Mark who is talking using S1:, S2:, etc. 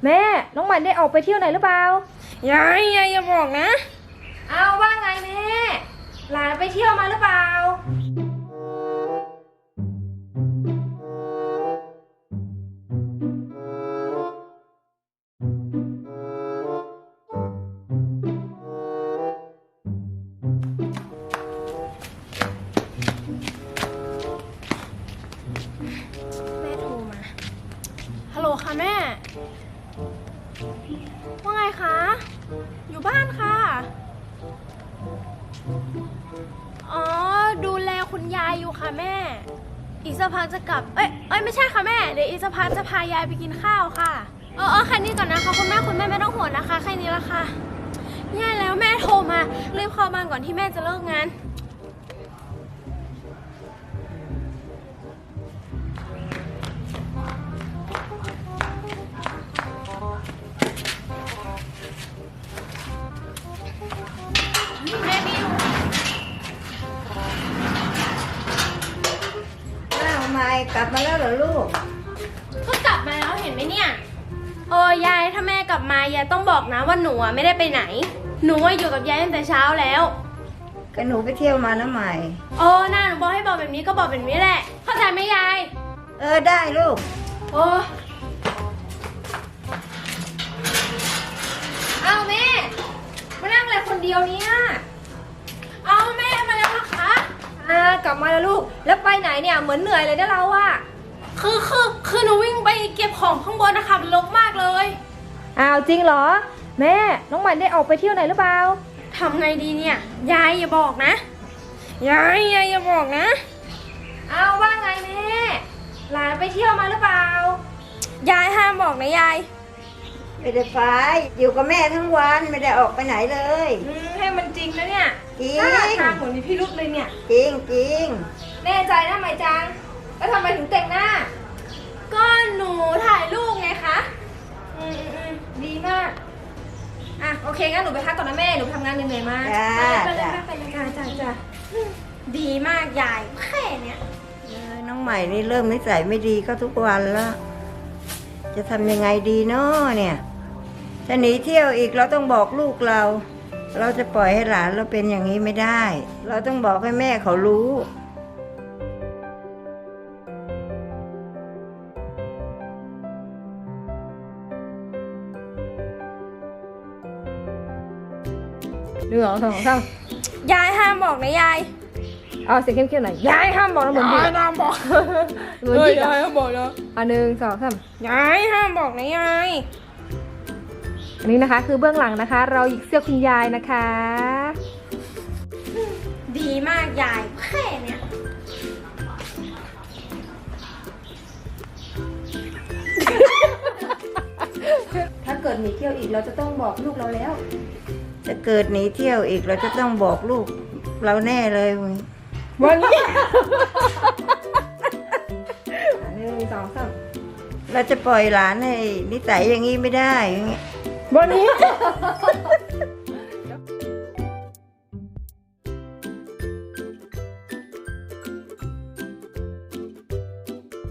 S1: แม่น้องใหม่ได้ออกไปเที่ยวไหนหรือเปล่าย
S2: ายอย่าบอกนะ
S1: เอาว่าไงแม่หลานไปเที่ยวมาหรือเปล่า
S2: แม่โทรมาฮัลโหลค่ะแม่ว่าไงคะอยู่บ้านค่ะอ๋อดูแลคุณยายอยู่ค่ะแม่อีกสักพักจะกลับเอ้ยไม่ใช่ค่ะแม่เดี๋ยวอีกสักพักจะพายายไปกินข้าวค่ะแค่นี้ก่อนนะคะคุณแม่ไม่ต้องห่วงนะคะแค่นี้ละค่ะแย่แล้วแม่โทรมารีบเข้าบ้านก่อนที่แม่จะเลิกงานแม่บิว
S3: อ้าวไม่กลับมาแล้วเหรอลูก
S2: ก็กลับมาแล้วเห็นไหมเนี่ยยายถ้าแม่กลับมายายต้องบอกนะว่าหนูไม่ได้ไปไหนหนูอยู่กับยายตั้งแต่เช้าแล้ว
S3: ก็หนูไปเที่ยวมานะใหม่
S2: น่าหนูบอกให้บอกแบบนี้ก็บอกแบบนี้แหละเข้าใจไหมยาย
S3: ได้ลูก
S1: เอาแม่มานั่งอะไรคนเดียวเนี่ย
S2: เอาแม่มาแล้วนะคะ
S1: กลับมาแล้วลูกแล้วไปไหนเนี่ยเหมือนเหนื่อยเลยนะเราอะ
S2: คือหนูวิ่งไปเก็บของข้างบนนะคะมันรกมากเลย
S1: อ้าวจริงเหรอแม่น้องใหม่ได้ออกไปเที่ยวไหนหรือเปล่า
S2: ทำไงดีเนี่ยยายอย่าบอกนะยายอย่าบอกนะ
S1: เอาว่าไงแม่หลานไปเที่ยวมาหรือเปล่าย
S2: ายห้ามบอกนะยาย
S3: ไม่ได้ไปอยู่กับแม่ทั้งวันไม่ได้ออกไปไหนเลย
S1: ให้มันจริงนะเนี่ย
S3: จริง
S1: ท่าทางเหมือนมีพิรุษเลยเนี่ย
S3: จริง
S1: แน่ใจนะไหมจังแล้วทำไมถึงแต่งหน้า
S2: ก็หนูถ่ายรูปไงคะ
S1: ดีมากโอเคงั้นหนูไปพักก่อนนะแม่หนูทำงานเหนื่อยๆมา
S2: ไปเลยจ้าดีมากยายแค่เนี้ย
S3: น้องใหม่นี่เริ่มนิสัยไม่ดีก็ทุกวันแล้วจะทำยังไงดีเนาะเนี่ยจะหนีเที่ยวอีกเราต้องบอกลูกเราจะปล่อยให้หลานเราเป็นอย่างนี้ไม่ได้ เราต้องบอกให้แม่เขารู้
S1: 1 2 3
S2: ยายห้ามบอกนะยาย
S1: เอาเสียงเข้มๆหน่อยยายห้ามบอกนะเหมือนพี่
S2: ยายห้ามบอก
S1: เหมือนพี่
S2: ยายห้ามบอกนะ
S1: 1 2 3
S2: ยายห้ามบอกนะยาย
S1: อันนี้นะคะคือเบื้องหลังนะคะเราหยิกเสื้อคุณยายนะคะ
S2: ดีมากยายแค่เนี้ย
S1: ถ้าเกิดหนีเที่ยวอีกเราจะต้องบอกลูกเราแล้ว
S3: จะเกิดหนีเที่ยวอีกเราจะต้องบอกลูกเราแน่เลย
S1: วันนี้1 2 3
S3: เราจะปล่อยหลานให้นิสัยอย่างนี้ไม่ได้
S1: วันนี้